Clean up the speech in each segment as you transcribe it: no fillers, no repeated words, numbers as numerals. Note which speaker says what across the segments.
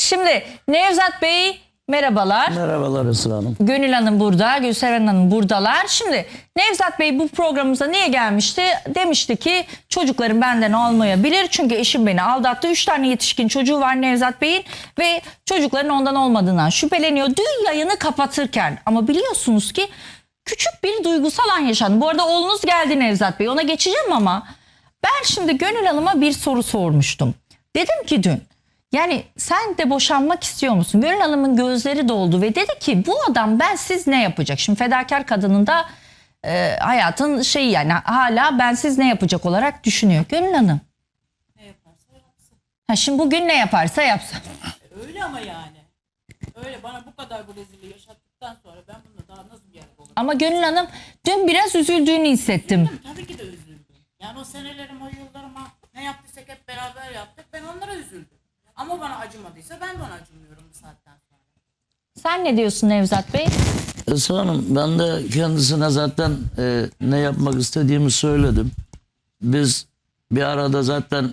Speaker 1: Şimdi Nevzat Bey merhabalar.
Speaker 2: Merhabalar Esra Hanım.
Speaker 1: Gönül Hanım burada, Gülseren Hanım buradalar. Şimdi Nevzat Bey bu programımıza niye gelmişti? Demişti ki çocuklarım benden olmayabilir. Çünkü eşim beni aldattı. 3 tane yetişkin çocuğu var Nevzat Bey'in ve çocukların ondan olmadığından şüpheleniyor. Dün yayını kapatırken ama biliyorsunuz ki küçük bir duygusal an yaşandı. Bu arada oğlunuz geldi Nevzat Bey. Ona geçeceğim ama ben şimdi Gönül Hanım'a bir soru sormuştum. Dedim ki dün, yani sen de boşanmak istiyor musun? Gönül Hanım'ın gözleri doldu ve dedi ki bu adam bensiz ne yapacak? Şimdi fedakar kadının da hayatın şeyi, yani hala bensiz ne yapacak olarak düşünüyor. Gönül Hanım.
Speaker 3: Ne yaparsa yapsın.
Speaker 1: Ha, şimdi bugün ne yaparsa yapsın.
Speaker 3: Öyle ama yani. Öyle bana bu kadar bu rezilliği yaşattıktan sonra ben bununla daha nasıl bir yerde olurum?
Speaker 1: Ama Gönül Hanım dün biraz üzüldüğünü hissettim.
Speaker 3: Tabii ki de üzüldüm. Yani o senelerim, o yıllarıma ne yaptıysak hep beraber yaptık. Ben onlara üzüldüm. Ama bana acımadıysa ben de ona acımıyorum bu saatten sonra.
Speaker 1: Sen ne diyorsun Nevzat Bey?
Speaker 2: Esra Hanım, ben de kendisine zaten ne yapmak istediğimi söyledim. Biz bir arada zaten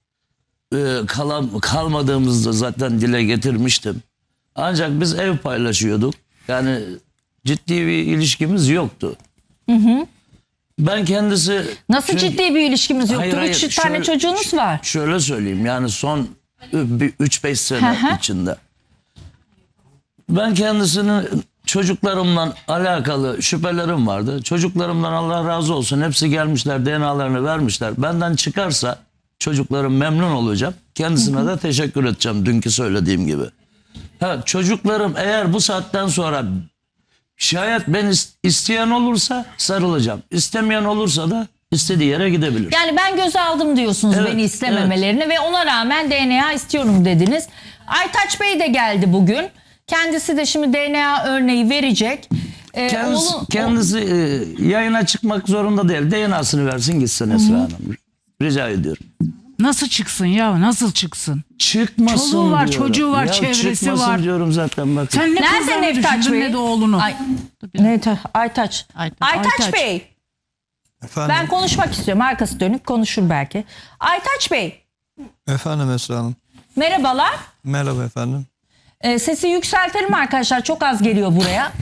Speaker 2: kalmadığımızda zaten dile getirmiştim. Ancak biz ev paylaşıyorduk. Yani ciddi bir ilişkimiz yoktu. Ben kendisi...
Speaker 1: Nasıl
Speaker 2: çünkü-
Speaker 1: ciddi bir ilişkimiz yoktur?
Speaker 2: Hayır, hayır,
Speaker 1: 3 tane
Speaker 2: şöyle-
Speaker 1: çocuğunuz var.
Speaker 2: Şöyle söyleyeyim, yani son 3-5 sene
Speaker 1: Hı hı.
Speaker 2: içinde. Ben kendisinin çocuklarımla alakalı şüphelerim vardı. Çocuklarımdan Allah razı olsun hepsi gelmişler, DNA'larını vermişler. Benden çıkarsa çocuklarım memnun olacağım. Kendisine de teşekkür edeceğim dünkü söylediğim gibi. Ha, çocuklarım eğer bu saatten sonra şayet ben isteyen olursa sarılacağım. İstemeyen olursa da istediği yere gidebilir.
Speaker 1: Yani ben göze aldım diyorsunuz
Speaker 2: Evet,
Speaker 1: beni istememelerini ve ona rağmen DNA istiyorum dediniz. Aytaç Bey de geldi bugün. Kendisi de şimdi DNA örneği verecek.
Speaker 2: Kendisi yayına çıkmak zorunda değil. DNA'sını versin gitsin Esra Hanım. Rica ediyorum.
Speaker 4: Nasıl çıksın ya? Nasıl çıksın?
Speaker 2: Çıkmasın
Speaker 4: Çoluğu var,
Speaker 2: diyorum.
Speaker 4: çocuğu var,
Speaker 2: Ya
Speaker 4: çevresi
Speaker 2: çıkmasın
Speaker 4: var.
Speaker 2: diyorum zaten bakın.
Speaker 4: Sen ne
Speaker 1: Nerede
Speaker 4: kızlarını
Speaker 1: Nevtaç
Speaker 4: düşündün
Speaker 1: Bey?
Speaker 4: ne de oğlunu.
Speaker 1: Aytaç. Aytaç Bey.
Speaker 5: Efendim,
Speaker 1: Ben konuşmak istiyorum. Arkası dönük konuşur belki. Aytaç Bey.
Speaker 5: efendim Esra Hanım.
Speaker 1: Merhabalar.
Speaker 5: Merhaba efendim.
Speaker 1: Sesi yükseltelim arkadaşlar. Çok az geliyor buraya.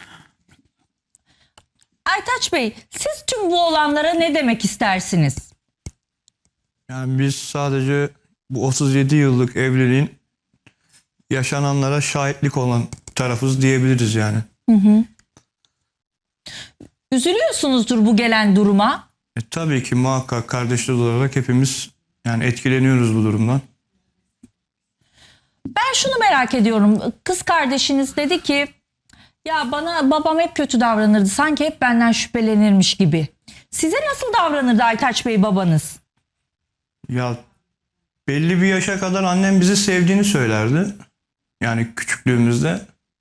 Speaker 1: Aytaç Bey, siz tüm bu olanlara ne demek istersiniz?
Speaker 5: Yani biz sadece bu 37 yıllık evliliğin yaşananlara şahitlik olan tarafız diyebiliriz yani.
Speaker 1: Üzülüyorsunuzdur bu gelen duruma.
Speaker 5: Tabii ki muhakkak kardeşler olarak hepimiz yani etkileniyoruz bu durumdan.
Speaker 1: Ben şunu merak ediyorum. Kız kardeşiniz dedi ki ya bana babam hep kötü davranırdı. Sanki hep benden şüphelenirmiş gibi. Size nasıl davranırdı Aytaç Bey babanız?
Speaker 5: Ya belli bir yaşa kadar annem bizi sevdiğini söylerdi. Yani küçüklüğümüzde.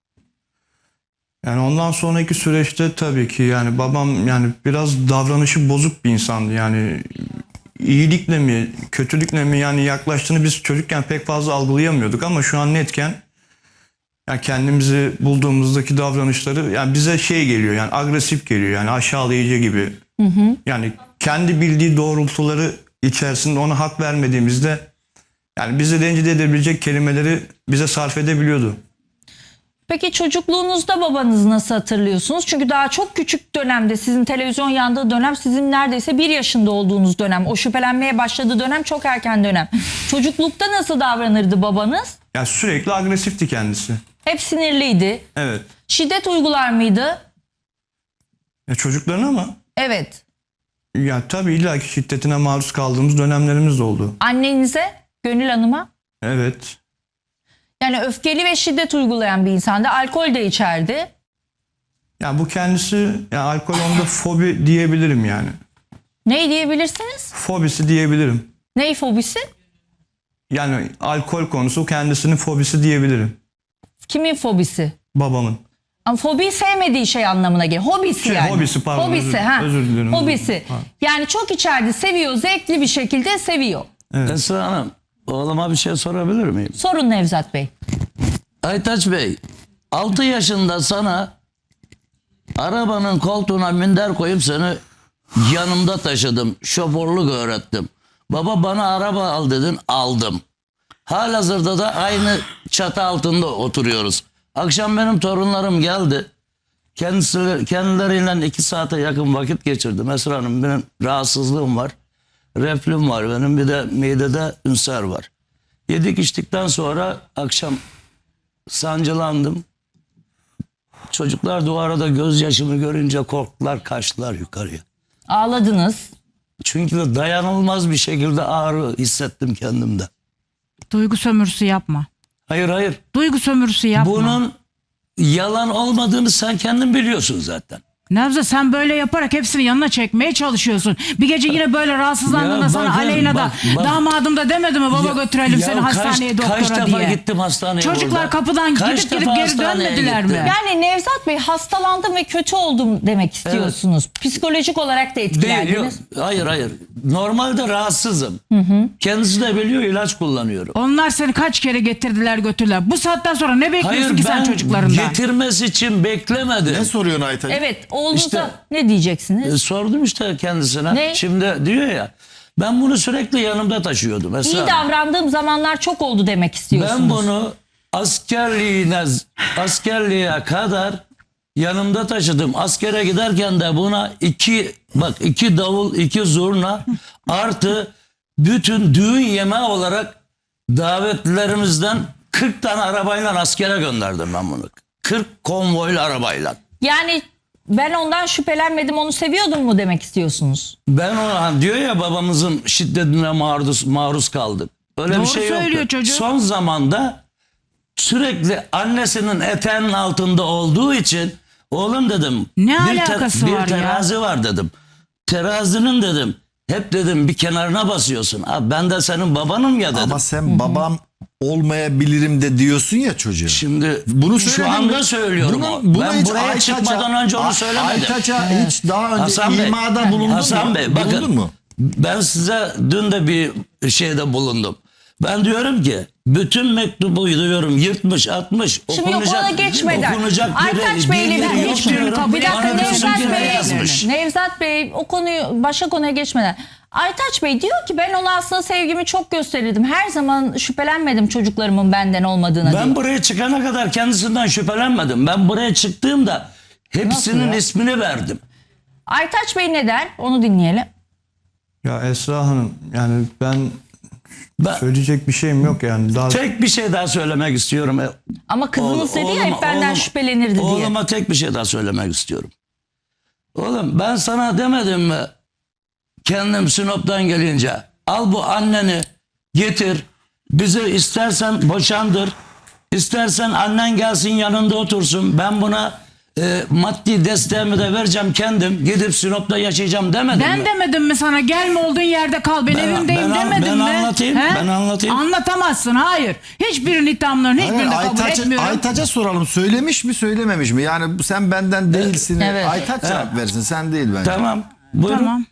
Speaker 5: Yani ondan sonraki süreçte tabii ki yani babam yani biraz davranışı bozuk bir insandı. Yani iyilikle mi kötülükle mi yani yaklaştığını biz çocukken pek fazla algılayamıyorduk ama şu an netken yani kendimizi bulduğumuzdaki davranışları yani bize şey geliyor yani agresif geliyor yani aşağılayıcı gibi. Yani kendi bildiği doğrultuları içerisinde ona hak vermediğimizde yani bizi rencide edebilecek kelimeleri bize sarf edebiliyordu.
Speaker 1: Peki çocukluğunuzda babanızı nasıl hatırlıyorsunuz? Çünkü daha çok küçük dönemde, sizin televizyon yandığı dönem, sizin neredeyse 1 yaşında olduğunuz dönem. O şüphelenmeye başladığı dönem çok erken dönem. Çocuklukta nasıl davranırdı babanız?
Speaker 5: Yani sürekli agresifti kendisi.
Speaker 1: Hep sinirliydi.
Speaker 5: Evet.
Speaker 1: Şiddet uygular mıydı?
Speaker 5: Ya çocuklarına mı?
Speaker 1: Evet.
Speaker 5: Ya tabii illaki şiddetine maruz kaldığımız dönemlerimiz de oldu.
Speaker 1: Annenize, Gönül Hanım'a?
Speaker 5: Evet.
Speaker 1: Yani öfkeli ve şiddet uygulayan bir insandı. Alkol de içerdi.
Speaker 5: Ya bu kendisi ya alkol onda fobi diyebilirim yani.
Speaker 1: Ne diyebilirsiniz?
Speaker 5: Fobisi diyebilirim.
Speaker 1: Ney fobisi?
Speaker 5: Yani alkol konusu kendisinin fobisi diyebilirim.
Speaker 1: Kimin fobisi?
Speaker 5: Babamın.
Speaker 1: Ama fobi sevmediği şey anlamına geliyor. Hobisi yani.
Speaker 5: Hobisi, pardon,
Speaker 1: Hobisi, ha.
Speaker 5: özür dilerim.
Speaker 1: Hobisi.
Speaker 5: Ha.
Speaker 1: Yani çok içeride seviyor, zevkli bir şekilde seviyor.
Speaker 2: Esra Hanım, oğluma bir şey sorabilir miyim?
Speaker 1: Sorun Nevzat Bey.
Speaker 2: Aytaç Bey, 6 yaşında sana arabanın koltuğuna minder koyup seni yanımda taşıdım. Şoförlük öğrettim. Baba bana araba al dedin, aldım. Halihazırda da aynı çatı altında oturuyoruz. Akşam benim torunlarım geldi. Kendileriyle 2 saate yakın vakit geçirdim. Esra Hanım, benim rahatsızlığım var. Reflüm var benim, bir de midede ünser var. Yedik içtikten sonra akşam sancılandım. Çocuklar duvarda gözyaşımı görünce korktular, kaçtılar yukarıya.
Speaker 1: Ağladınız.
Speaker 2: Çünkü dayanılmaz bir şekilde ağrı hissettim kendimde.
Speaker 4: Duygu sömürüsü yapma.
Speaker 2: Hayır.
Speaker 4: Duygu sömürüsü yapma.
Speaker 2: Bunun yalan olmadığını sen kendin biliyorsun zaten.
Speaker 4: Nevzat, sen böyle yaparak hepsini yanına çekmeye çalışıyorsun. Bir gece yine böyle rahatsızlandığında
Speaker 2: Ya
Speaker 4: sana
Speaker 2: bakın,
Speaker 4: Aleyna da
Speaker 2: bak.
Speaker 4: damadım da demedi mi baba götürelim seni hastaneye doktora
Speaker 2: kaç
Speaker 4: diye.
Speaker 2: defa gittim hastaneye
Speaker 4: Çocuklar
Speaker 2: burada.
Speaker 4: kapıdan
Speaker 2: Kaç
Speaker 4: gidip
Speaker 2: defa
Speaker 4: geri
Speaker 2: hastaneye
Speaker 4: dönmediler mi?
Speaker 2: gittim.
Speaker 1: Yani Nevzat Bey, hastalandım ve kötü oldum demek istiyorsunuz. Psikolojik olarak da
Speaker 2: Değil, yok.
Speaker 1: etkilendiniz.
Speaker 2: Hayır. Normalde rahatsızım. Kendisi de biliyor, ilaç kullanıyorum.
Speaker 4: Onlar seni kaç kere getirdiler götürdüler. Bu saatten sonra ne bekliyorsun
Speaker 2: Hayır,
Speaker 4: ki sen
Speaker 2: ben
Speaker 4: çocuklarından?
Speaker 2: getirmesi için beklemedim.
Speaker 6: Ne soruyorsun Aytaç?
Speaker 1: Evet, oğlunuza
Speaker 2: İşte-
Speaker 1: ne diyeceksiniz?
Speaker 2: Sordum işte kendisine.
Speaker 1: Ne?
Speaker 2: Şimdi diyor ya, ben bunu sürekli yanımda taşıyordum. Esra
Speaker 1: İyi
Speaker 2: Hanım.
Speaker 1: davrandığım zamanlar çok oldu demek istiyorsunuz.
Speaker 2: Ben bunu askerliğe kadar yanımda taşıdım. Askere giderken de buna 2 davul, 2 zurna artı bütün düğün yemeği olarak davetlilerimizden 40 tane arabayla askere gönderdim ben bunu. 40 konvoylu arabayla.
Speaker 1: Yani ben ondan şüphelenmedim, onu seviyordum mu demek istiyorsunuz?
Speaker 2: Ben ona diyor ya, babamızın şiddetine maruz kaldık. Öyle
Speaker 4: Doğru
Speaker 2: bir şey yoktu.
Speaker 4: söylüyor çocuk.
Speaker 2: Son zamanda sürekli annesinin eteğinin altında olduğu için oğlum dedim.
Speaker 4: Ne
Speaker 2: bir
Speaker 4: alakası var ya?
Speaker 2: Bir terazi var dedim. Terazinin dedim hep dedim bir kenarına basıyorsun. Abi ben de senin babanım ya dedim.
Speaker 6: Ama sen babam olmayabilirim de diyorsun ya çocuğa.
Speaker 2: Şimdi
Speaker 6: Bunu
Speaker 2: şu
Speaker 6: söyledin
Speaker 2: anda
Speaker 6: mi?
Speaker 2: söylüyorum. Ben
Speaker 6: hiç
Speaker 2: buraya çıkmadan önce onu söylemedim.
Speaker 6: Aytaç'a hiç daha önce
Speaker 2: Hasan Bey,
Speaker 6: imada bulundun
Speaker 2: Hasan
Speaker 6: mu?
Speaker 2: Bey, bakın,
Speaker 6: Bulundun mu?
Speaker 2: ben size dün de bir şeyde bulundum. Ben diyorum ki bütün mektubu diyorum yırtmış, atmış,
Speaker 1: Şimdi yok, ona geçmeden. Aytaç Bey'le
Speaker 2: bir
Speaker 1: bir
Speaker 2: yok diyorum.
Speaker 1: Bir dakika,
Speaker 2: Bana diyorsun
Speaker 1: Nevzat
Speaker 2: ki ne
Speaker 1: Bey,
Speaker 2: yazmış?
Speaker 1: Nevzat Bey, o konuyu başka konuya geçmeden. Aytaç Bey diyor ki ben ona aslında sevgimi çok gösterirdim. Her zaman şüphelenmedim çocuklarımın benden olmadığına
Speaker 2: Ben
Speaker 1: diyor.
Speaker 2: buraya çıkana kadar kendisinden şüphelenmedim. Ben buraya çıktığımda hepsinin
Speaker 1: Nasıl ya?
Speaker 2: ismini verdim.
Speaker 1: Aytaç Bey ne der? Onu dinleyelim.
Speaker 5: Ya Esra Hanım, yani ben
Speaker 2: Ben
Speaker 5: söyleyecek bir şeyim yok yani. Daha
Speaker 2: tek bir şey daha söylemek istiyorum.
Speaker 1: Ama kızınız dedi ya hep benden şüphelenirdi diye.
Speaker 2: Oğluma tek bir şey daha söylemek istiyorum. Oğlum ben sana demedim mi kendim Sinop'tan gelince al bu anneni getir, bizi istersen boşandır, istersen annen gelsin yanında otursun, ben buna maddi desteğimi de vereceğim, kendim gidip Sinop'ta yaşayacağım demedim mi?
Speaker 4: Ben demedim mi sana gelme olduğun yerde kal ben evimdeyim demedim
Speaker 2: ben
Speaker 4: mi?
Speaker 2: anlatayım, ben anlatayım.
Speaker 4: Anlatamazsın, hayır. Hiçbirinin iddiamlarının hiçbirini kabul etmiyorum.
Speaker 6: Aytaç'a soralım. Söylemiş mi söylememiş mi? Yani sen benden değilsin.
Speaker 1: Evet.
Speaker 6: Aytaç cevap versin. Sen değil bence.
Speaker 2: Tamam, buyurun.
Speaker 4: Tamam.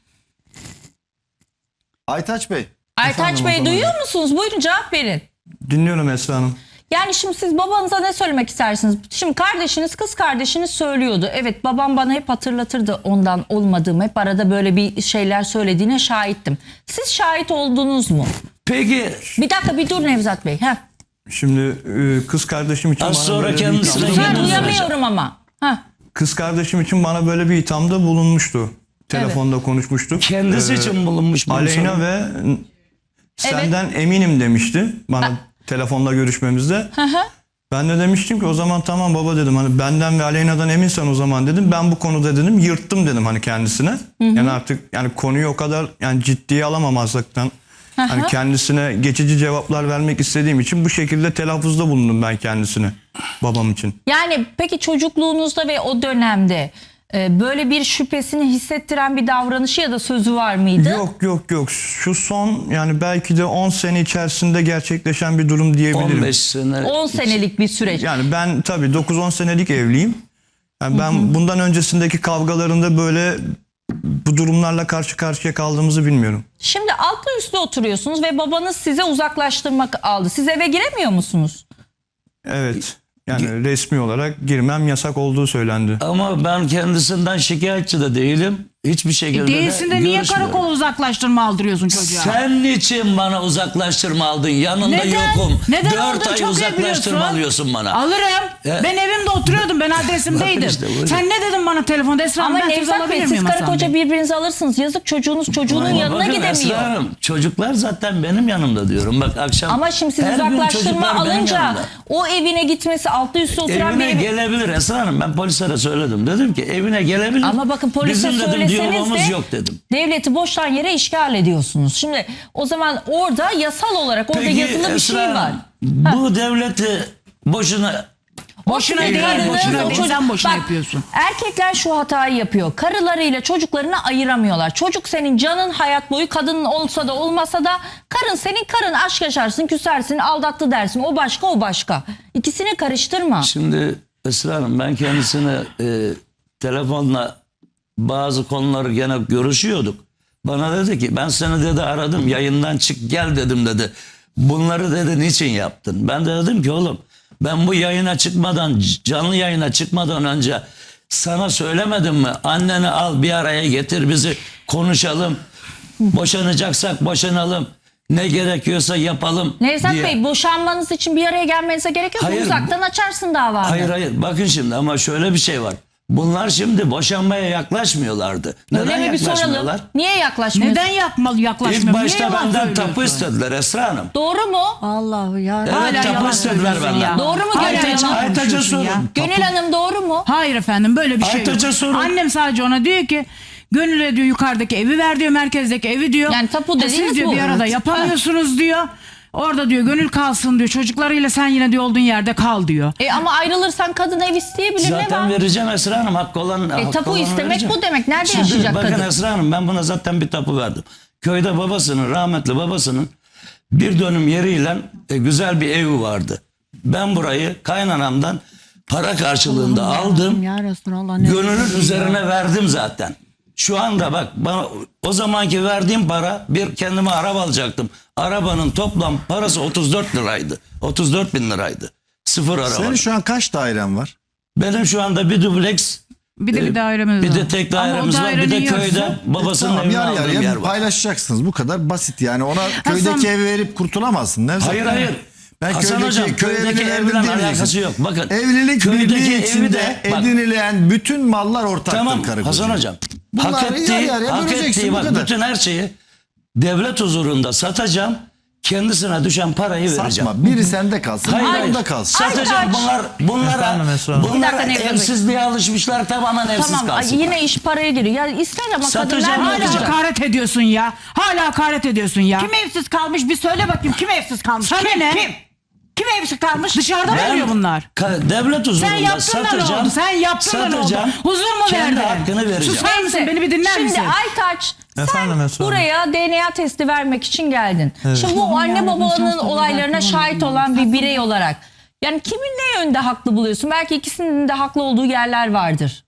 Speaker 6: Aytaç Bey.
Speaker 1: Aytaç Bey duyuyor musunuz? Buyurun cevap verin.
Speaker 5: dinliyorum Esra Hanım.
Speaker 1: Yani şimdi siz babanıza ne söylemek istersiniz? Şimdi kardeşiniz, kız kardeşiniz söylüyordu. Evet, babam bana hep hatırlatırdı ondan olmadığımı. Hep arada böyle bir şeyler söylediğine şahittim. Siz şahit oldunuz mu?
Speaker 2: Peki
Speaker 1: Bir dakika, bir dur Nevzat Bey. Heh.
Speaker 5: Şimdi kız kardeşim için
Speaker 2: Az
Speaker 5: bana
Speaker 2: sonra
Speaker 5: böyle bir
Speaker 2: kendisine
Speaker 5: ithamda-
Speaker 2: gel-
Speaker 1: Ben duyamıyorum ama. Heh.
Speaker 5: Kız kardeşim için bana böyle bir ithamda bulunmuştu. Telefonda konuşmuştuk.
Speaker 2: kendisi için bulunmuş bunu
Speaker 5: Aleyna
Speaker 2: sorun.
Speaker 5: ve senden eminim demişti bana telefonda görüşmemizde. Ben de demiştim ki o zaman tamam baba dedim, hani benden ve Aleyna'dan eminsen o zaman dedim, ben bu konuda dedim yırttım dedim hani kendisine. Yani artık yani konuyu o kadar yani ciddiye alamamazlıktan hani kendisine geçici cevaplar vermek istediğim için bu şekilde telaffuzda bulundum ben kendisine, babam için.
Speaker 1: Yani peki çocukluğunuzda ve o dönemde böyle bir şüphesini hissettiren bir davranışı ya da sözü var mıydı?
Speaker 5: Yok. Şu son yani belki de 10 sene içerisinde gerçekleşen bir durum diyebilirim.
Speaker 2: 15 sene.
Speaker 1: 10 senelik bir süreç.
Speaker 5: Yani ben tabii 9-10 senelik evliyim. Yani ben bundan öncesindeki kavgalarında böyle bu durumlarla karşı karşıya kaldığımızı bilmiyorum.
Speaker 1: Şimdi altlı üstlü oturuyorsunuz ve babanız size uzaklaştırmak aldı. Siz eve giremiyor musunuz?
Speaker 5: Evet. Yani resmi olarak girmem yasak olduğu söylendi.
Speaker 2: Ama ben kendisinden şikayetçi de değilim. hiçbir şekilde
Speaker 4: Değilsin de niye
Speaker 2: görüşmüyorum.
Speaker 4: karakola uzaklaştırma aldırıyorsun çocuğa?
Speaker 2: Sen niçin bana uzaklaştırma aldın? Yanında
Speaker 4: Neden?
Speaker 2: yokum.
Speaker 4: Neden
Speaker 2: 4
Speaker 4: aldın?
Speaker 2: ay
Speaker 4: Çok iyi
Speaker 2: uzaklaştırma
Speaker 4: biliyorsun.
Speaker 2: alıyorsun bana.
Speaker 4: Alırım. Ben evimde oturuyordum. Ben adresimdeydim.
Speaker 2: Bakın işte, buyurun.
Speaker 4: Sen ne dedin bana telefonda? Esra Hanım,
Speaker 1: Ama
Speaker 4: ben söz
Speaker 1: Nevzat Bey
Speaker 4: alabilir
Speaker 1: siz
Speaker 4: miyim
Speaker 1: karı
Speaker 4: Hasan
Speaker 1: koca
Speaker 4: Bey?
Speaker 1: birbirinizi alırsınız. Yazık çocuğunun
Speaker 2: Ama
Speaker 1: yanına
Speaker 2: bakın
Speaker 1: gidemiyor.
Speaker 2: Esra Hanım, çocuklar zaten benim yanımda diyorum. Bak akşam
Speaker 1: Ama şimdi siz
Speaker 2: her gün
Speaker 1: uzaklaştırma
Speaker 2: çocuklar benim
Speaker 1: alınca
Speaker 2: yanımda.
Speaker 1: o evine gitmesi altlı üstü oturan bir
Speaker 2: Evine
Speaker 1: evi...
Speaker 2: gelebilir Esra Hanım. Ben polislere söyledim. Dedim ki evine gelebilir.
Speaker 1: Ama bakın polise
Speaker 2: Bizim dedim
Speaker 1: söyleseniz
Speaker 2: diyalogumuz
Speaker 1: de
Speaker 2: yok dedim.
Speaker 1: devleti boştan yere işgal ediyorsunuz. Şimdi o zaman orada yasal olarak orada yazılı bir şey
Speaker 2: Esra
Speaker 1: var.
Speaker 2: Hanım, bu devleti boşuna
Speaker 4: Boşuna
Speaker 1: Sizin
Speaker 4: değil,
Speaker 1: karınız,
Speaker 4: boşuna
Speaker 1: o
Speaker 4: değil.
Speaker 1: çocuk-
Speaker 4: Sen boşuna
Speaker 1: Bak,
Speaker 4: yapıyorsun.
Speaker 1: Erkekler şu hatayı yapıyor. Karılarıyla çocuklarını ayıramıyorlar. Çocuk senin canın hayat boyu, kadın olsa da olmasa da karın senin karın, aşk yaşarsın, küsersin, aldattı dersin. O başka, o başka. İkisini karıştırma.
Speaker 2: Şimdi Esra Hanım, ben kendisine telefonla bazı konuları gene görüşüyorduk. Bana dedi ki ben seni dedi aradım, yayından çık gel dedim dedi. Bunları dedi niçin yaptın? Ben de dedim ki oğlum ben bu yayına çıkmadan, canlı yayına çıkmadan önce sana söylemedim mi? Anneni al bir araya getir, bizi konuşalım. Boşanacaksak boşanalım. Ne gerekiyorsa yapalım
Speaker 1: Nevzat
Speaker 2: diye.
Speaker 1: Bey, boşanmanız için bir araya gelmenize gerek yok.
Speaker 2: Hayır,
Speaker 1: Uzaktan açarsın davanı.
Speaker 2: Hayır bakın şimdi ama şöyle bir şey var. Bunlar şimdi boşanmaya yaklaşmıyorlardı.
Speaker 1: Öyle
Speaker 2: Neden
Speaker 1: mi, bir
Speaker 2: yaklaşmıyorlar?
Speaker 1: soralım. Niye yaklaşmıyorsun?
Speaker 4: Neden yaklaşmıyor?
Speaker 2: İlk başta
Speaker 4: Niye yalan
Speaker 2: benden
Speaker 4: söylüyorsun?
Speaker 2: tapu istediler Esra Hanım.
Speaker 1: Doğru mu?
Speaker 4: Allah'u ya.
Speaker 2: Evet,
Speaker 4: Hala
Speaker 2: tapu
Speaker 4: yalan
Speaker 2: istediler
Speaker 4: söylüyorsun
Speaker 2: benden.
Speaker 4: ya.
Speaker 1: Doğru mu
Speaker 4: Hala
Speaker 1: Gönül
Speaker 4: yalan
Speaker 1: Hanım?
Speaker 2: Aytaç'a
Speaker 4: konuşuyorsun
Speaker 2: sorun.
Speaker 4: ya.
Speaker 1: Gönül Hanım doğru mu?
Speaker 4: Hayır efendim, böyle bir şey
Speaker 2: Aytaç'a
Speaker 4: yok.
Speaker 2: sorun.
Speaker 4: Annem sadece ona diyor ki Gönül'e diyor yukarıdaki evi ver diyor, merkezdeki evi diyor.
Speaker 1: Yani tapu dediğiniz
Speaker 4: Siz diyor
Speaker 1: bu.
Speaker 4: bir arada
Speaker 1: Evet.
Speaker 4: yapamıyorsunuz diyor. Orada diyor Gönül kalsın diyor. Çocuklarıyla sen yine diyor olduğun yerde kal diyor.
Speaker 1: Ama ayrılırsan kadın ev isteyebilir, ne
Speaker 2: Zaten
Speaker 1: var?
Speaker 2: vereceğim Esra Hanım. Hakkı olan hakkı
Speaker 1: tapu
Speaker 2: olanı
Speaker 1: istemek
Speaker 2: vereceğim.
Speaker 1: bu demek. Nerede
Speaker 2: Şimdi
Speaker 1: yaşayacak
Speaker 2: bakın
Speaker 1: kadın?
Speaker 2: Esra Hanım, ben buna zaten bir tapu verdim. Köyde babasının, rahmetli babasının bir dönüm yeriyle güzel bir evi vardı. Ben burayı kaynanamdan para karşılığında aldım.
Speaker 4: Ya Resulallah.
Speaker 2: Gönül'ün üzerine verdim zaten. Şu anda bak bana o zamanki verdiğim para, bir kendime araba alacaktım. Arabanın toplam parası 34 liraydı. 34 bin liraydı. Sıfır araba.
Speaker 6: Senin şu an kaç dairen var?
Speaker 2: Benim şu anda bir dubleks,
Speaker 4: Bir de bir dairemiz
Speaker 2: bir
Speaker 4: var.
Speaker 2: de tek
Speaker 4: Ama o
Speaker 2: dairemiz var. Bir de
Speaker 4: dairenin
Speaker 2: köyde
Speaker 4: yarısı-
Speaker 2: babasının
Speaker 6: Tamam,
Speaker 2: evine
Speaker 6: yarı
Speaker 2: aldığım
Speaker 6: yarıya
Speaker 2: yer var.
Speaker 6: paylaşacaksınız. Bu kadar basit yani. Ona köydeki evi verip kurtulamazsın. Nevzat.
Speaker 2: Hayır.
Speaker 6: Ben
Speaker 2: Hasan Hocam, köydeki evle alakası yok. Bakın,
Speaker 6: Evlilik
Speaker 2: köydeki
Speaker 6: birliği
Speaker 2: evi
Speaker 6: içinde
Speaker 2: de- bak,
Speaker 6: edinilen bütün mallar ortaktır
Speaker 2: tamam
Speaker 6: karı
Speaker 2: Hasan
Speaker 6: koca.
Speaker 2: Hocam.
Speaker 6: Bunları
Speaker 2: Hak
Speaker 6: yarı
Speaker 2: ettiği,
Speaker 6: yarıya
Speaker 2: hak
Speaker 6: böleceksin,
Speaker 2: ettiği
Speaker 6: bu
Speaker 2: bak
Speaker 6: kadar.
Speaker 2: bütün her şeyi devlet huzurunda satacağım. Kendisine düşen parayı vereceğim.
Speaker 6: Satma. Biri sende kalsın.
Speaker 2: Hayır,
Speaker 6: biri
Speaker 2: hayır.
Speaker 6: onda kalsın.
Speaker 2: Satacağım. Bunlara
Speaker 5: Efendim Esra Hanım.
Speaker 1: Bir
Speaker 2: bunlara
Speaker 1: dakika, Nevzat Bey.
Speaker 2: evsizliğe alışmışlar, tamamen evsiz
Speaker 1: Tamam,
Speaker 2: kalsın.
Speaker 1: yine iş paraya giriyor. Ya ister ama
Speaker 2: Satacağım,
Speaker 1: kadınlar
Speaker 4: Hala
Speaker 2: yapacağım.
Speaker 4: hakaret ediyorsun ya. Hala hakaret ediyorsun ya.
Speaker 7: Kim evsiz kalmış bir söyle bakayım, kim evsiz kalmış?
Speaker 4: Sana
Speaker 7: kim?
Speaker 4: ne?
Speaker 7: Kim? Kim evsiz kalmış?
Speaker 4: Dışarıda mı
Speaker 2: Ben
Speaker 4: veriyor bunlar?
Speaker 2: devlet huzurunda
Speaker 4: Sen yaptın da ne
Speaker 2: satacağım.
Speaker 4: oldu? Sen yaptın da ne oldu?
Speaker 2: satacağım,
Speaker 4: Huzur mu
Speaker 2: kendi
Speaker 4: verdin?
Speaker 2: hakkını vereceğim.
Speaker 4: Susar mısın? Beni bir dinler
Speaker 1: Şimdi
Speaker 4: misin?
Speaker 1: Aytaç,
Speaker 5: Efendim
Speaker 1: sen
Speaker 5: Esra Hanım.
Speaker 1: buraya DNA testi vermek için geldin. Şimdi bu anne babanın olaylarına şahit olan bir birey olarak yani kimin ne yönde haklı buluyorsun? Belki ikisinin de haklı olduğu yerler vardır.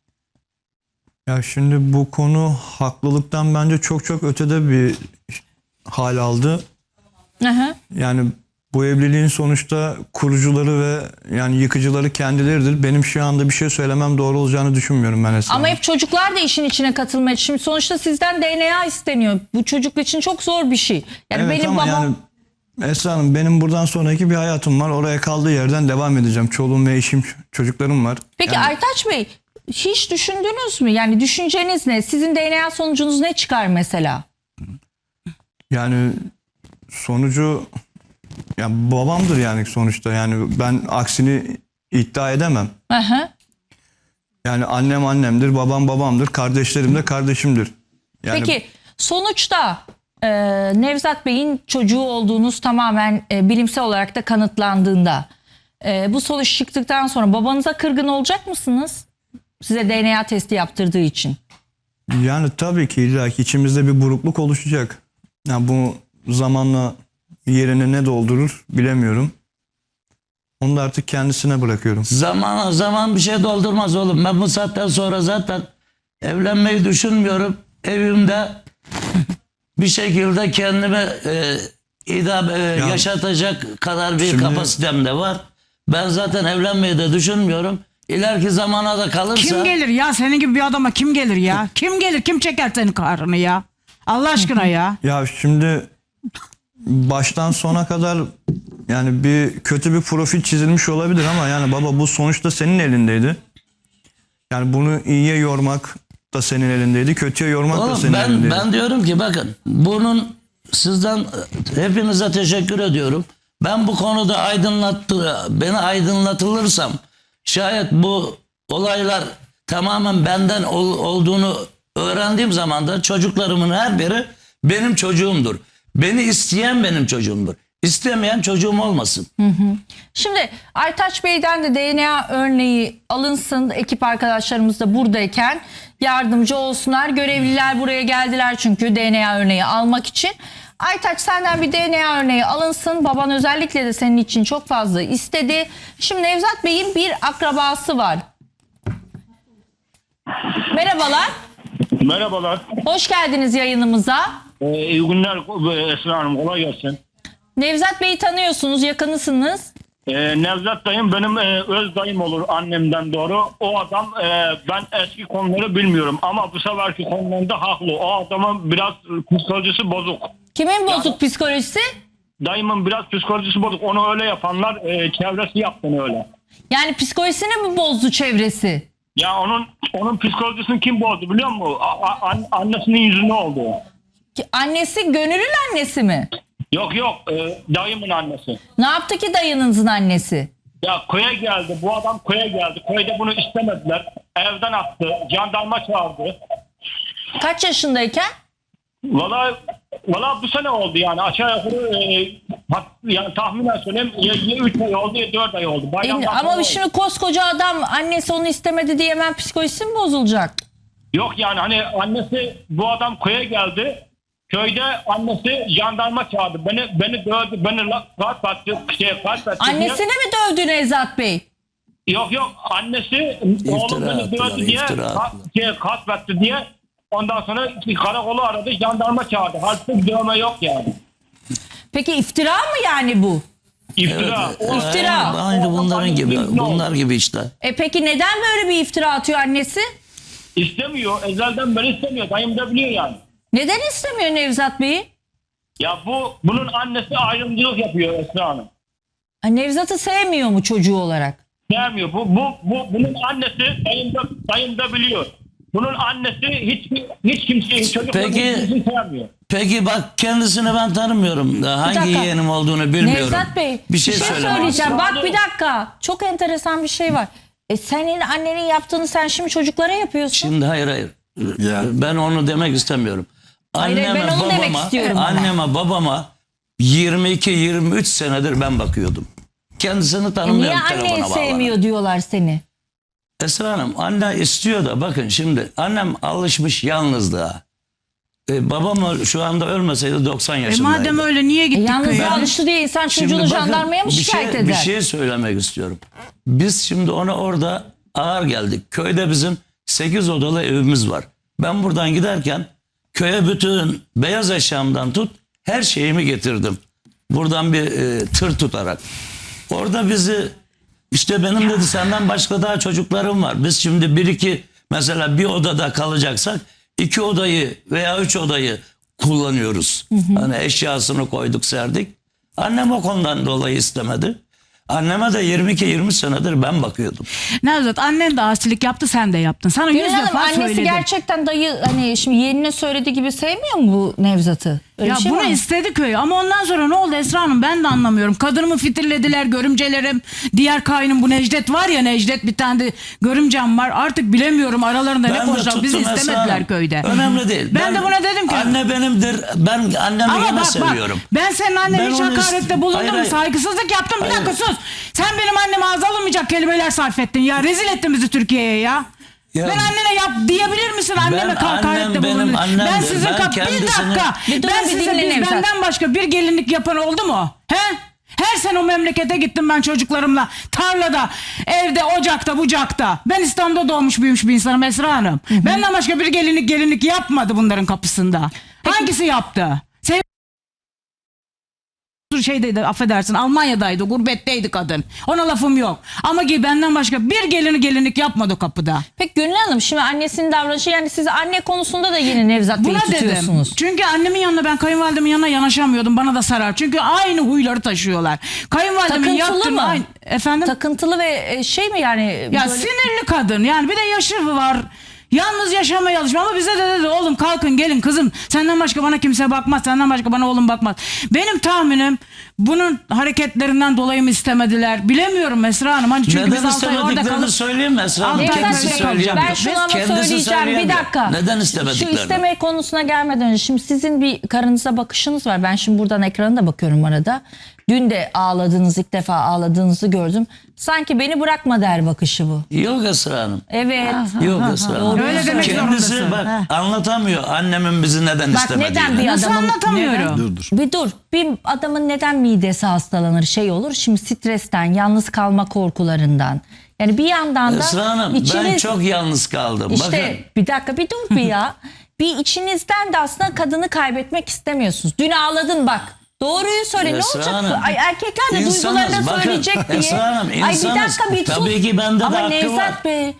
Speaker 5: Ya şimdi bu konu haklılıktan bence çok çok ötede bir hal aldı.
Speaker 1: Hı hı.
Speaker 5: Yani bu evliliğin sonuçta kurucuları ve yani yıkıcıları kendileridir. Benim şu anda bir şey söylemem doğru olacağını düşünmüyorum ben Esra
Speaker 1: Ama
Speaker 5: Hanım.
Speaker 1: hep çocuklar da işin içine katılmaya. Şimdi sonuçta sizden DNA isteniyor. Bu çocuk için çok zor bir şey. Yani
Speaker 5: Evet
Speaker 1: benim
Speaker 5: ama
Speaker 1: babam
Speaker 5: yani Esra Hanım, benim buradan sonraki bir hayatım var. Oraya kaldığı yerden devam edeceğim. Çoluğum ve eşim, çocuklarım var.
Speaker 1: Peki
Speaker 5: Yani
Speaker 1: Aytaç Bey, hiç düşündünüz mü? Yani düşünceniz ne? Sizin DNA sonucunuz ne çıkar mesela?
Speaker 5: Yani sonucu ya babamdır yani sonuçta. Yani ben aksini iddia edemem.
Speaker 1: Hı hı.
Speaker 5: Yani annem annemdir, babam babamdır, kardeşlerim de kardeşimdir. Yani
Speaker 1: Peki sonuçta Nevzat Bey'in çocuğu olduğunuz tamamen bilimsel olarak da kanıtlandığında bu sonuç çıktıktan sonra babanıza kırgın olacak mısınız? Size DNA testi yaptırdığı için.
Speaker 5: Yani tabii ki illa ki içimizde bir burukluk oluşacak. Yani bu zamanla yerine ne doldurur bilemiyorum. Onu da artık kendisine bırakıyorum.
Speaker 2: Zaman bir şey doldurmaz oğlum. Ben bu saatten sonra zaten evlenmeyi düşünmüyorum. Evimde bir şekilde kendimi yaşatacak kadar bir
Speaker 5: Şimdi-
Speaker 2: kapasitem de var. Ben zaten evlenmeyi de düşünmüyorum. ileriki zamana da kalırsa...
Speaker 4: Kim gelir ya? Senin gibi bir adama kim gelir ya? Kim gelir? Kim çeker senin kahrını ya? Allah aşkına ya.
Speaker 5: Ya şimdi baştan sona kadar yani kötü bir profil çizilmiş olabilir ama yani baba bu sonuçta senin elindeydi. Yani bunu iyiye yormak da senin elindeydi, kötüye yormak da
Speaker 2: Oğlum,
Speaker 5: senin elindeydi.
Speaker 2: ben diyorum ki bakın bunun sizden hepinize teşekkür ediyorum. Ben bu konuda beni aydınlatılırsam şayet bu olaylar tamamen benden olduğunu öğrendiğim zaman da çocuklarımın her biri benim çocuğumdur. Beni isteyen benim çocuğumdur. İstemeyen çocuğum olmasın.
Speaker 1: Şimdi Aytaç Bey'den de DNA örneği alınsın. Ekip arkadaşlarımız da buradayken yardımcı olsunlar. Görevliler buraya geldiler çünkü DNA örneği almak için. Aytaç senden bir DNA örneği alınsın. Baban özellikle de senin için çok fazla istedi. Şimdi Nevzat Bey'in bir akrabası var. Merhabalar.
Speaker 8: Merhabalar.
Speaker 1: Hoş geldiniz yayınımıza.
Speaker 8: İyi günler Esra Hanım. Kolay gelsin.
Speaker 1: Nevzat Bey'i tanıyorsunuz, yakınısınız.
Speaker 8: Nevzat dayım benim öz dayım olur annemden doğru. O adam ben eski konuları bilmiyorum ama bu seferki konularında haklı. O adamın biraz psikolojisi bozuk.
Speaker 1: Kimin bozuk psikolojisi?
Speaker 8: Dayımın biraz psikolojisi bozuk. Onu öyle yapanlar çevresi yaptığını öyle.
Speaker 1: Yani psikolojisini mi bozdu çevresi?
Speaker 8: Ya onun psikolojisini kim bozdu biliyor musun? Annesinin yüzüne oldu.
Speaker 1: Annesi Gönül'ün annesi mi?
Speaker 8: Yok dayımın annesi.
Speaker 1: Ne yaptı ki dayınızın annesi?
Speaker 8: Ya köye geldi. Bu adam köye geldi. Köyde bunu istemediler. Evden attı. Jandarma çağırdı.
Speaker 1: Kaç yaşındayken?
Speaker 8: Valla bu sene oldu yani. Aşağı yukarı yani tahminen söyleyeyim ya 3 ay oldu ya 4 ay oldu. Bayramdan sonra
Speaker 1: Ama
Speaker 8: oldu.
Speaker 1: şimdi koskoca adam annesi onu istemedi diye hemen psikolojisi mi bozulacak?
Speaker 8: Yok yani hani annesi bu adam köye geldi. Köyde annesi jandarma çağırdı. Beni dövdü. Beni kaç attı.
Speaker 1: Annesini mi dövdü Nevzat Bey?
Speaker 8: Yok annesi oğlum beni
Speaker 2: attılar,
Speaker 8: dövdü diye kaç attı diye ondan sonra karakolu aradı. Jandarma çağırdı. Halbuki dövme yok yani.
Speaker 1: Peki iftira mı yani bu?
Speaker 8: İftira.
Speaker 1: İftira.
Speaker 2: Aynı bunlar gibi işte.
Speaker 1: Peki neden böyle bir iftira atıyor annesi?
Speaker 8: İstemiyor. Ezelden beri istemiyor. Dayım da biliyor yani.
Speaker 1: Neden istemiyor Nevzat Bey'i?
Speaker 8: Ya bunun annesi ayrımcılık yapıyor Esra Hanım.
Speaker 1: Nevzat'ı sevmiyor mu çocuğu olarak?
Speaker 8: Sevmiyor. Bunun annesi dayım da biliyor. Bunun annesi hiç kimseyi çocuklarını sevmiyor.
Speaker 2: Peki bak kendisini ben tanımıyorum. Hangi
Speaker 1: dakika.
Speaker 2: yeğenim olduğunu bilmiyorum.
Speaker 1: Nevzat Bey
Speaker 2: bir şey söyleyeceğim.
Speaker 1: söyleyeceğim. Bak bir dakika. Çok enteresan bir şey var. Senin annenin yaptığını sen şimdi çocuklara yapıyorsun.
Speaker 2: Şimdi hayır.
Speaker 6: Ya.
Speaker 2: Ben onu demek istemiyorum.
Speaker 1: Hayır, ben onu demek istiyorum.
Speaker 2: Anneme babama 22-23 senedir ben bakıyordum. Kendisini
Speaker 1: Niye
Speaker 2: tanımıyorum
Speaker 1: anneyi
Speaker 2: telefona bağlanarak.
Speaker 1: sevmiyor diyorlar seni?
Speaker 2: Esra Hanım anne istiyor da bakın şimdi annem alışmış yalnızlığa. Babam şu anda ölmeseydi 90 yaşındaydı.
Speaker 4: Madem öyle niye gittik
Speaker 1: Yalnız
Speaker 4: köye?
Speaker 1: alıştı diye insan
Speaker 2: Şimdi
Speaker 1: çocuğunu
Speaker 2: bakın,
Speaker 1: jandarmaya mı şikayet eder?
Speaker 2: Bir şey söylemek istiyorum. Biz şimdi ona orada ağır geldik. Köyde bizim 8 odalı evimiz var. Ben buradan giderken köye bütün beyaz eşyamdan tut her şeyimi getirdim. Buradan bir tır tutarak. Orada bizi işte benim dedi senden başka daha çocuklarım var. Biz şimdi 1-2 mesela bir odada kalacaksak 2 odayı veya 3 odayı kullanıyoruz. Hani eşyasını koyduk serdik. Annem o konudan dolayı istemedi. Anneme de 22-20 senedir ben bakıyordum.
Speaker 4: Nevzat annen de asilik yaptı sen de yaptın. Sana 100
Speaker 1: Gönül Hanım,
Speaker 4: defa
Speaker 1: annesi
Speaker 4: söyledim.
Speaker 1: gerçekten dayı hani şimdi yeğenine söylediği gibi sevmiyor mu bu Nevzat'ı? Öyle
Speaker 4: Ya
Speaker 1: bir şey
Speaker 4: bunu
Speaker 1: var mı?
Speaker 4: istedi köy ama ondan sonra ne oldu Esra Hanım ben de anlamıyorum. Kadınımı fitirlediler görümcelerim. Diğer kaynım bu Necdet var ya Necdet bir tane de görümcem var. Artık bilemiyorum aralarında ne
Speaker 2: Ben de
Speaker 4: konuşacak. Bizi
Speaker 2: tuttum Esra
Speaker 4: istemediler
Speaker 2: Hanım.
Speaker 4: köyde.
Speaker 2: Önemli değil.
Speaker 4: Ben de buna dedim ki.
Speaker 2: Anne benimdir. Ben annemi
Speaker 4: Ama
Speaker 2: yine
Speaker 4: bak
Speaker 2: seviyorum.
Speaker 4: ben senin annene
Speaker 2: Ben
Speaker 4: hiç
Speaker 2: onu
Speaker 4: hakarette bulundum
Speaker 2: Hayır,
Speaker 4: mu?
Speaker 2: hayır.
Speaker 4: Saygısızlık yaptım. Bir
Speaker 2: Hayır.
Speaker 4: dakika sus. Sen benim anneme ağza alınmayacak kelimeler sarf ettin ya. Rezil ettin bizi Türkiye'ye ya.
Speaker 2: Ya,
Speaker 4: Ben annene yap diyebilir misin? Anneme hakarette
Speaker 2: annem benim
Speaker 4: bulundun.
Speaker 2: annemdir.
Speaker 4: Ben sizin
Speaker 2: Ben
Speaker 4: bir
Speaker 2: kendisini-
Speaker 4: dakika.
Speaker 1: Bir dur,
Speaker 4: Ben
Speaker 1: bir
Speaker 4: size
Speaker 1: dinle Nevzat.
Speaker 4: benden başka bir gelinlik yapan oldu mu? He? Her sene o memlekete gittim ben çocuklarımla. Tarlada, evde, ocakta, bucakta. Ben İstanbul'da doğmuş büyümüş bir insanım Esra Hanım. Benden başka bir gelinlik yapmadı bunların kapısında. Hangisi yaptı? şeydeydi, affedersin, Almanya'daydı, gurbetteydi kadın. Ona lafım yok. Ama ki benden başka bir gelinlik yapmadı kapıda.
Speaker 1: Peki Gönül Hanım, şimdi annesinin davranışı, yani siz anne konusunda da yine Nevzat Bey'i
Speaker 4: Buna dedim.
Speaker 1: tutuyorsunuz.
Speaker 4: Çünkü annemin yanına, ben kayınvalidemin yanına yanaşamıyordum. Bana da sarar. Çünkü aynı huyları taşıyorlar. Kayınvalidemin
Speaker 1: Takıntılı
Speaker 4: yaptığım
Speaker 1: mı?
Speaker 4: aynı. Efendim?
Speaker 1: Takıntılı ve şey mi yani?
Speaker 4: Ya
Speaker 1: böyle-
Speaker 4: sinirli kadın, yani bir de yaşı var. Yalnız yaşamaya alışmış ama bize de dedi oğlum kalkın gelin kızım, senden başka bana kimse bakmaz, senden başka bana oğlum bakmaz. Benim tahminim bunun hareketlerinden dolayı mı istemediler bilemiyorum Esra Hanım. Hani çünkü
Speaker 2: Neden
Speaker 4: biz 6 ay orada
Speaker 2: istemediklerini
Speaker 4: kalıp
Speaker 2: söyleyeyim mi Esra Hanım?
Speaker 4: Altı ay
Speaker 2: Kendisi
Speaker 4: orada
Speaker 2: söyleyemiyor.
Speaker 1: Ben şunu ama
Speaker 2: Kendisi
Speaker 1: söyleyeceğim, bir
Speaker 2: söyleyemiyor.
Speaker 1: dakika.
Speaker 2: Neden
Speaker 1: Şu
Speaker 2: istemediklerini?
Speaker 1: isteme konusuna gelmeden önce, şimdi sizin bir karınıza bakışınız var. Ben şimdi buradan ekrana da bakıyorum arada. Dün de ağladığınız, ilk defa ağladığınızı gördüm. Sanki beni bırakma der bakışı bu.
Speaker 2: Yok Esra Hanım.
Speaker 1: Evet.
Speaker 2: Yok Esra Hanım.
Speaker 4: Öyle demek
Speaker 2: Kendisi
Speaker 4: zorundasın.
Speaker 2: bak anlatamıyor annemin bizi neden
Speaker 1: Bak
Speaker 2: istemediğini.
Speaker 1: neden bir
Speaker 4: Nasıl
Speaker 1: adamın...
Speaker 4: anlatamıyorum?
Speaker 6: Dur.
Speaker 1: Bir dur. Bir adamın neden midesi hastalanır, şey olur? Şimdi stresten, yalnız kalma korkularından. Yani bir yandan da
Speaker 2: Esra Hanım ben
Speaker 1: içiniz...
Speaker 2: çok yalnız kaldım.
Speaker 1: İşte
Speaker 2: Bakın.
Speaker 1: bir dakika, bir dur bir ya. Bir içinizden de aslında kadını kaybetmek istemiyorsunuz. Dün ağladın bak. Doğruyu söyle.
Speaker 2: Esra
Speaker 1: ne olacak?
Speaker 2: Hanım,
Speaker 1: Ay, erkekler de
Speaker 2: insanız.
Speaker 1: duygularını
Speaker 2: Bakın,
Speaker 1: söyleyecek diye.
Speaker 2: Esra Hanım,
Speaker 1: Ay bir
Speaker 2: insanız.
Speaker 1: dakika, bir sus.
Speaker 2: Tabii ki bende de
Speaker 1: Ama
Speaker 2: hakkı
Speaker 1: Nevzat
Speaker 2: var.
Speaker 1: Bey,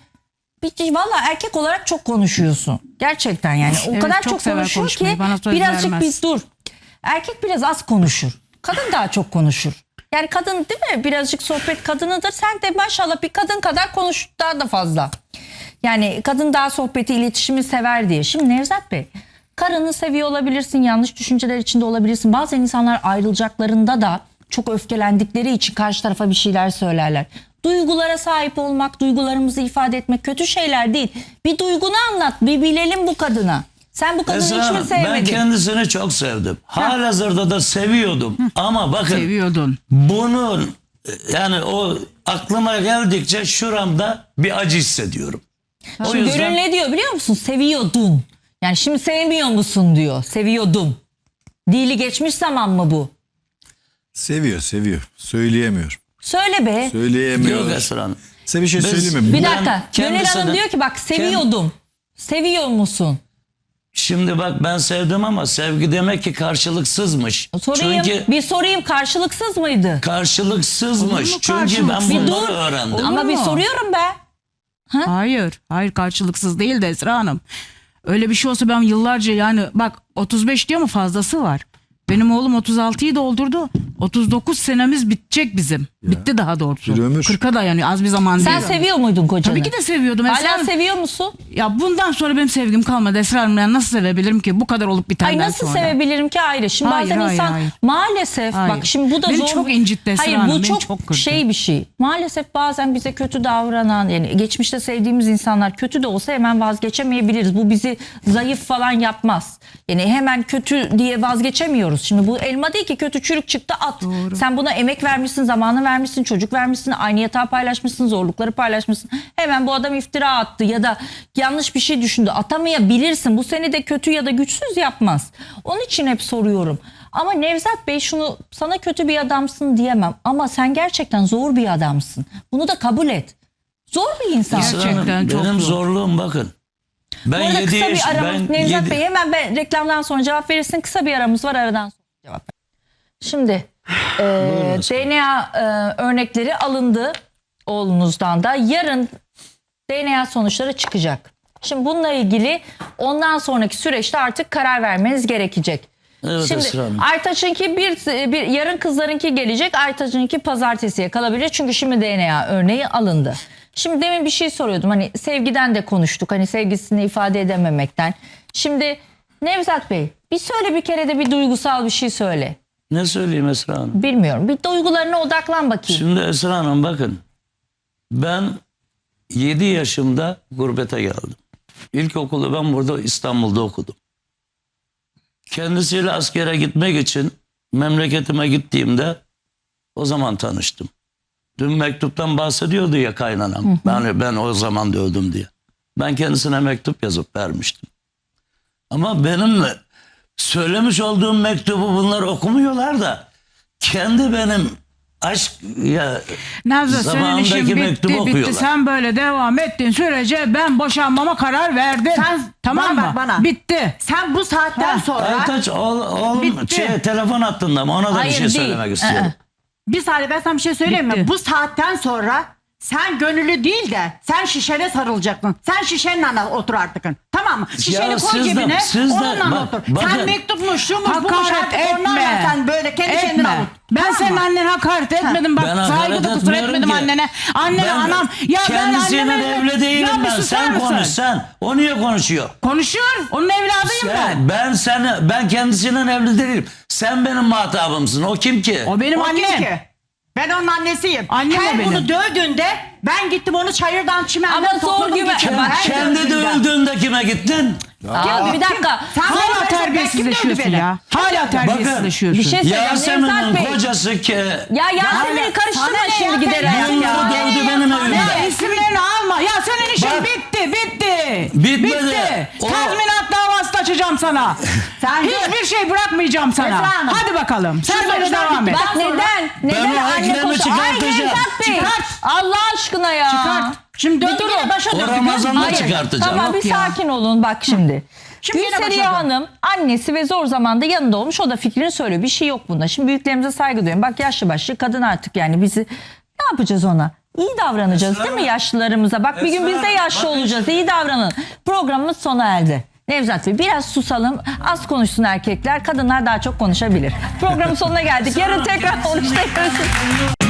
Speaker 1: valla erkek olarak çok konuşuyorsun. Gerçekten yani. O
Speaker 4: Evet,
Speaker 1: kadar
Speaker 4: çok
Speaker 1: çok
Speaker 4: sever
Speaker 1: konuşuyor
Speaker 4: konuşmayı.
Speaker 1: ki
Speaker 4: Bana söz
Speaker 1: birazcık
Speaker 4: vermez.
Speaker 1: biz dur. Erkek biraz az konuşur. Kadın daha çok konuşur. Yani kadın değil mi? Birazcık sohbet kadınıdır. Sen de maşallah bir kadın kadar konuş, daha da fazla. Yani kadın daha sohbeti, iletişimi sever diye. Şimdi Nevzat Bey, karını seviyor olabilirsin, yanlış düşünceler içinde olabilirsin. Bazen insanlar ayrılacaklarında da çok öfkelendikleri için karşı tarafa bir şeyler söylerler. Duygulara sahip olmak, duygularımızı ifade etmek kötü şeyler değil. Bir duygunu anlat, bir bilelim bu kadına. Sen bu kadını
Speaker 2: Esra
Speaker 1: hiç mi
Speaker 2: Hanım ben
Speaker 1: sevmedin?
Speaker 2: kendisini çok sevdim. Halihazırda da seviyordum. Ama bakın
Speaker 4: Seviyordun.
Speaker 2: bunun yani o aklıma geldikçe şuramda bir acı hissediyorum. O
Speaker 1: Şimdi
Speaker 2: yüzden
Speaker 1: Gönül ne diyor biliyor musun? Seviyordun. Yani şimdi sevmiyor musun diyor. Seviyordum. Dili geçmiş zaman mı bu?
Speaker 6: Seviyor. Söyleyemiyor.
Speaker 1: Söyle be.
Speaker 6: Söyleyemiyor.
Speaker 2: yok Esra Hanım.
Speaker 6: Size bir şey
Speaker 2: Biz-
Speaker 6: söyleyeyim mi?
Speaker 1: Bir
Speaker 2: Ben
Speaker 1: dakika. Gönül Hanım
Speaker 2: kendisine-
Speaker 1: diyor ki bak seviyordum. Seviyor musun?
Speaker 2: Şimdi bak ben sevdim ama sevgi demek ki karşılıksızmış.
Speaker 1: Sorayım.
Speaker 2: Çünkü
Speaker 1: Bir sorayım, karşılıksız mıydı?
Speaker 2: karşılıksızmış.
Speaker 4: Olur mu
Speaker 2: Çünkü ben
Speaker 4: karşılıksız?
Speaker 1: Bir
Speaker 2: bunları
Speaker 1: dur.
Speaker 2: öğrendim.
Speaker 1: Ama bir
Speaker 4: mu?
Speaker 1: soruyorum be.
Speaker 4: Hayır karşılıksız değil de Esra Hanım. Öyle bir şey olsa ben yıllarca, yani bak 35 diyor mu, fazlası var. Benim oğlum 36'yı doldurdu. 39 senemiz bitecek bizim. Bitti daha doğrusu.
Speaker 6: Bir ömür.
Speaker 4: 40'a dayanıyor, az bir zaman
Speaker 1: Sen
Speaker 4: değil.
Speaker 1: seviyor muydun kocanı?
Speaker 4: Tabii ki de seviyordum Esra
Speaker 1: Hala
Speaker 4: Hanım.
Speaker 1: seviyor musun?
Speaker 4: Ya bundan sonra benim sevgim kalmadı Esra Hanım. Yani nasıl sevebilirim ki bu kadar olup bitenden
Speaker 1: Ay nasıl
Speaker 4: sonra?
Speaker 1: sevebilirim ki ayrı. Şimdi
Speaker 4: Hayır,
Speaker 1: bazen
Speaker 4: hayır,
Speaker 1: insan
Speaker 4: hayır.
Speaker 1: maalesef
Speaker 4: Hayır.
Speaker 1: bak şimdi bu da
Speaker 4: Beni
Speaker 1: zor.
Speaker 4: çok incitti Esra
Speaker 1: Hayır
Speaker 4: Hanım,
Speaker 1: bu
Speaker 4: beni
Speaker 1: çok,
Speaker 4: çok kırdı.
Speaker 1: şey bir şey. Maalesef bazen bize kötü davranan, yani geçmişte sevdiğimiz insanlar kötü de olsa hemen vazgeçemeyebiliriz. Bu bizi zayıf falan yapmaz. Yani hemen kötü diye vazgeçemiyoruz. Şimdi bu elma değil ki, kötü çürük çıktı at.
Speaker 4: Doğru.
Speaker 1: Sen buna emek vermişsin, zamanı vermişsin, çocuk vermişsin, aynı yatağı paylaşmışsın, zorlukları paylaşmışsın. Hemen bu adam iftira attı ya da yanlış bir şey düşündü. Atamayabilirsin. Bu seni de kötü ya da güçsüz yapmaz. Onun için hep soruyorum. Ama Nevzat Bey, şunu, sana kötü bir adamsın diyemem. Ama sen gerçekten zor bir adamsın. Bunu da kabul et. Zor bir insan.
Speaker 2: Esra Hanım,
Speaker 4: Gerçekten çok
Speaker 2: benim
Speaker 4: zor.
Speaker 2: zorluğum bakın.
Speaker 1: Bu
Speaker 2: Ben
Speaker 1: arada
Speaker 2: 7
Speaker 1: kısa
Speaker 2: yaş,
Speaker 1: bir aramız.
Speaker 2: ben
Speaker 1: Nevzat
Speaker 2: yedi-
Speaker 1: Bey hemen reklamdan sonra cevap verirsin. Kısa bir aramız var, aradan sonra cevap ver. Şimdi DNA örnekleri alındı oğlunuzdan da. Yarın DNA sonuçları çıkacak. Şimdi bununla ilgili ondan sonraki süreçte artık karar vermeniz gerekecek.
Speaker 2: Evet,
Speaker 1: Şimdi
Speaker 2: Esra Hanım.
Speaker 1: Aytaç'ınki bir yarın, kızlarınki gelecek. Aytaç'ınki pazartesiye kalabilir. Çünkü şimdi DNA örneği alındı. Şimdi demin bir şey soruyordum. Hani sevgiden de konuştuk. Hani sevgisini ifade edememekten. Şimdi Nevzat Bey, bir söyle, bir kere de bir duygusal bir şey söyle.
Speaker 2: Ne söyleyeyim Esra Hanım?
Speaker 1: Bilmiyorum. Bir duygularına odaklan bakayım.
Speaker 2: Şimdi Esra Hanım bakın. Ben 7 yaşımda gurbete geldim. İlkokulu ben burada İstanbul'da okudum. Kendisiyle askere gitmek için memleketime gittiğimde o zaman tanıştım. Dün mektuptan bahsediyordu ya kaynanam. Ben o zaman da öldüm diye. Ben kendisine mektup yazıp vermiştim. Ama benim söylemiş olduğum mektubu bunlar okumuyorlar da kendi benim aşk ya
Speaker 4: Nazlı senin
Speaker 2: zamanındaki
Speaker 4: işin
Speaker 2: mektubu
Speaker 4: bitti
Speaker 2: okuyorlar.
Speaker 4: sen böyle devam ettiğin sürece ben boşanmama karar verdim.
Speaker 7: Sen-
Speaker 4: tamam
Speaker 7: bana
Speaker 4: mı?
Speaker 7: bak bana.
Speaker 4: Bitti.
Speaker 7: Sen bu saatten sonra
Speaker 2: Aytaç oğlum
Speaker 4: Bitti.
Speaker 2: telefon hattında mı? Ona da
Speaker 1: Hayır,
Speaker 2: bir şey
Speaker 1: değil.
Speaker 2: söylemek istiyorum.
Speaker 7: bir saniye ben sana bir şey söyleyeyim mi?
Speaker 4: Bitti.
Speaker 7: Bu saatten sonra sen gönüllü değil de sen şişene sarılacaksın. Sen şişenle otur artık. Tamam mı? Şişeni koy
Speaker 2: siz de-
Speaker 7: cebine
Speaker 2: siz de-
Speaker 7: onunla
Speaker 2: bak-
Speaker 7: otur.
Speaker 2: bakın.
Speaker 7: Sen mektupmuş, şumuş, bumuş
Speaker 4: Hakaret
Speaker 7: artık onlarla
Speaker 4: etme.
Speaker 7: sen böyle kendi kendine avut.
Speaker 4: Ben
Speaker 7: Tamam
Speaker 4: senin
Speaker 7: mı?
Speaker 4: annene hakaret etmedim. Bak
Speaker 2: Ben hakaret
Speaker 4: saygıda kusur
Speaker 2: etmiyorum
Speaker 4: etmedim
Speaker 2: ki.
Speaker 4: annene. Annene
Speaker 2: Ben
Speaker 4: anam. Ya ben
Speaker 2: kendisiyle
Speaker 4: anneme...
Speaker 2: evli değilim
Speaker 4: Ya bir
Speaker 2: ben.
Speaker 4: susar
Speaker 2: Sen
Speaker 4: mısın?
Speaker 2: konuş sen. O niye konuşuyor?
Speaker 4: Konuşuyor. Onun evladıyım ben.
Speaker 2: Ben kendisiyle evli değilim. Sen benim muhatabımsın. O kim ki?
Speaker 4: O benim
Speaker 7: O kim
Speaker 4: annem.
Speaker 7: ki? Ben onun annesiyim.
Speaker 4: Annem o
Speaker 7: Her
Speaker 4: benim.
Speaker 7: bunu dövdüğünde ben gittim onu çayırdan çimenden
Speaker 1: Ama zor
Speaker 7: topladım
Speaker 1: güven-
Speaker 7: getirdim.
Speaker 1: Bak,
Speaker 7: Her
Speaker 2: Kendi
Speaker 7: dövdüğünde.
Speaker 2: dövüldüğünde kime gittin?
Speaker 1: Abi bir dakika.
Speaker 7: Sen bana
Speaker 4: Hala
Speaker 7: versen ben
Speaker 4: terbiyesizleşiyorsun
Speaker 7: kim dövdü
Speaker 4: ya. Hala terbiyesizleşiyorsun.
Speaker 1: Bir şey söyleyeceğim.
Speaker 2: Yasemin'in
Speaker 1: Nevzat Bey.
Speaker 2: kocası ki
Speaker 1: Ya Yasemin'i
Speaker 7: Sana
Speaker 1: karıştırma
Speaker 7: ne
Speaker 1: şimdi
Speaker 7: ya,
Speaker 1: giderek
Speaker 7: sen
Speaker 2: yılları
Speaker 1: ya.
Speaker 2: dövdü benim evimde.
Speaker 4: Ya isimlerini alma. Ya senin işin
Speaker 2: Bak.
Speaker 4: bitti.
Speaker 2: Bitmedi.
Speaker 4: Bitti.
Speaker 2: O-
Speaker 4: Tazminat davası da açacağım sana.
Speaker 7: Sen
Speaker 4: Hiçbir şey bırakmayacağım sana.
Speaker 7: Esra Hanım.
Speaker 4: Hadi bakalım. Sen
Speaker 7: Şu
Speaker 4: böyle
Speaker 7: sorular
Speaker 4: devam et.
Speaker 7: bitti.
Speaker 1: Bak neden? Neden
Speaker 2: o
Speaker 1: anne
Speaker 2: eklemi
Speaker 1: koş? Ay
Speaker 2: çıkartacağım.
Speaker 1: Nevzat Bey.
Speaker 4: Çıkart.
Speaker 1: Allah aşkına ya.
Speaker 4: Çıkart. Şimdi
Speaker 1: Bir
Speaker 4: döndü
Speaker 1: durun.
Speaker 4: yine başa
Speaker 2: O
Speaker 4: döndü.
Speaker 2: Ramazan'da
Speaker 1: Hayır.
Speaker 2: çıkartacağım.
Speaker 1: Tamam
Speaker 4: Yok
Speaker 1: bir
Speaker 4: ya.
Speaker 1: sakin olun bak şimdi.
Speaker 7: Şimdi yine
Speaker 1: Gülseriye
Speaker 7: başladı.
Speaker 1: Hanım annesi ve zor zamanda yanında olmuş, o da fikrini söylüyor. Bir şey yok bunda. Şimdi büyüklerimize saygı duyuyorum. Bak yaşlı başlı kadın artık, yani bizi ne yapacağız ona? İyi davranacağız değil mi yaşlılarımıza? Bak bir gün biz de yaşlı olacağız. İyi davranın. Programımız sona erdi. Nevzat Bey biraz susalım. Az konuşsun erkekler. Kadınlar daha çok konuşabilir. Programın sonuna geldik. Yarın tekrar konuşacağız.